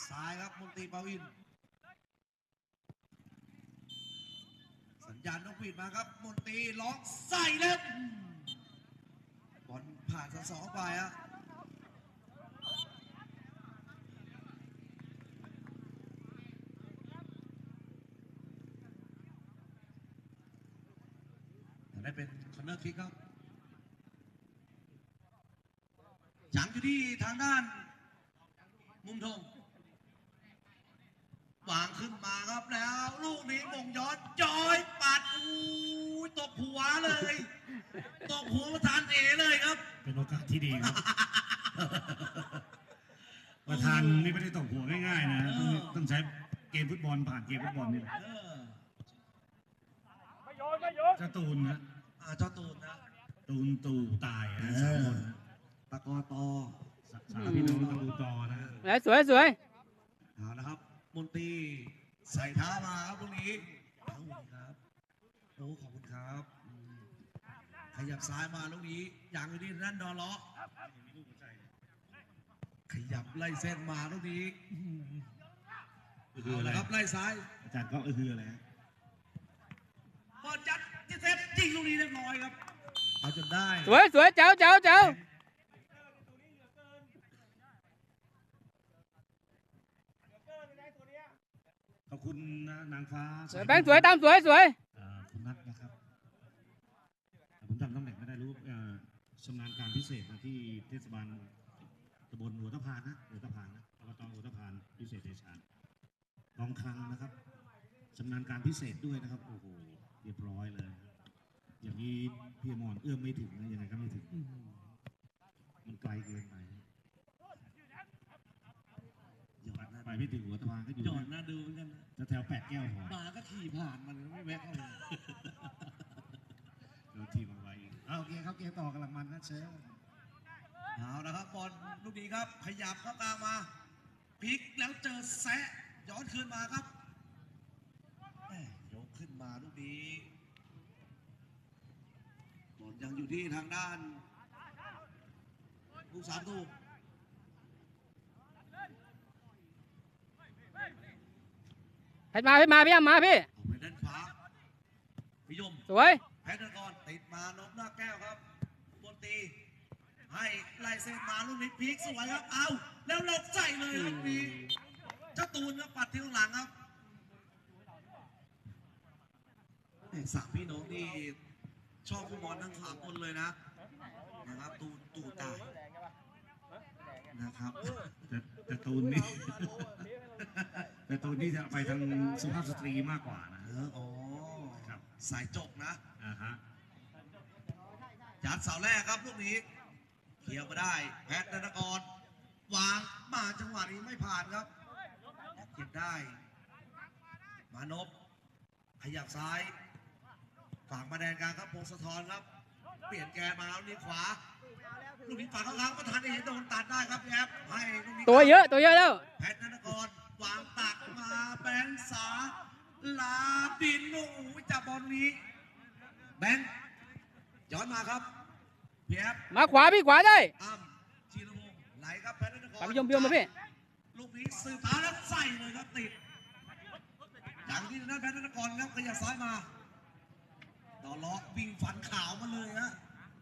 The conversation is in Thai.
ซ้ายครับมนตรีปาวินสัญญาณนกหวีดมาครับมนตรีล็อกใส่แล้วบอลผ่านสองไปอะได้เป็นคอร์เนอร์คิกครับจังอยู่ที่ทางด้านมุมธงวางขึ้นมาครับแล้วลูกนี้มงย้อนจอยปัดตบหัวเลยตบหัวประธานเอเลยครับเป็นโอกาสที่ดีครับประธานนี่ไม่ได้ตบหัวง่ายๆนะต้องใช้เกมฟุตบอลผ่านเกมฟุตบอลนี่แหละเจ้าตูนนะเจ้าตูนนะตูนตู่ตายนะสามคนตะกอตอสามพี่น้องตะกูตอนะสวยสวยเอาละครับมนตรีใส่เท้ามาครับตรงนี้ทั้งหมดครับโอ้ขอบคุณครับขยับซ้ายมาลูกนี้อย่างอยู่ที่นั่นดอล้อขยับไล่เส้นมาลูกนี้เอาละครับไล่ซ้ายอาจารย์ก็คืออะไรบอลจัดที่เซฟจริงลูกนี้เรียบร้อยครับเอาจนได้สวยสวยเจ้าขอบคุณนางฟ้าแบงค์สวยตามสวยคุณนัทนะครับผมจำตำแหน่งไม่ได้รู้ชำนาญการพิเศษมาที่เทศบาลตำบลหัวตะพานนะอบตหัวตะพานพิเศษเดชานกองคลังนะครับชำนาญการพิเศษด้วยนะครับโอ้โหเรียบร้อยเลยอย่างนี้พี่มอนเอื้อมไม่ถึงนะยังไงก็ไม่ถึงมันไกลเกินไปไปไม่ถึงหัวตะพานก็อยู่จอดน่าดูเหมือนกันนะแถว8 แก้วพอมาก็ขี่ผ่านมันไม่แวะเข้าเลยเราทีมาไว้โอเคครับเกมต่อกำลังมันนะเชฟเอาละครับบอลลูกนี้ครับขยับเข้ากลางมาพลิกแล้วเจอแซะย้อนคืนมาครับยกขึ้นมาลูกนี้บอลยังอยู่ที่ทางด้านลูกสามตูให้มาพี่อ้ำมาพี่ไปด้านขวาพิยมสวยแพทย์กรติดมานพหน้าแก้วครับบนตีให้ไล่เส้นมาลูกนี้พีกสวยครับเอาแล้วหลบใส่เลยครับพีเจ้าตูนครับปัดที่ข้างหลังครับสามพี่น้องที่ชอบฟุตบอลทั้ง3 คนเลยนะครับตูตายนะครับแต่ตูนนี่แต่ตูนนี่จะไปทางสุภาพสตรีมากกว่านะอ๋อครับสายจกนะฮะยัดเสาแรกครับลูกนี้เคลียร์มาได้แพทย์ธนกรวางมาจังหวะนี้ไม่ผ่านครับเก็บได้มานพขยับซ้ายฝั่งมาแดนกลางครับพงศธรครับเปลี่ยนแกมาลูกนี้ขวาลูกนี้ฝั่งข้างๆประธานเอกโดนตัดได้ครับแอบให้ลูกนี้ตัวเยอะแล้วแพทย์ธนกรวางตักมาแบงค์สาลาบินโอ้โหจับบอลนี้แบงค์ย้อนมาครับเพียบมาขวาพี่ขวาได้ชีรพงศ์ไหลครับแพทย์ธนกรพี่ยมมาพี่ลูกนี้สืบเท้าแล้วใส่เลยครับติดอย่างที่นั่นแพทย์ธนกรครับขยับซ้ายมาต่อล้อวิ่งฟันขาวมาเลยฮะ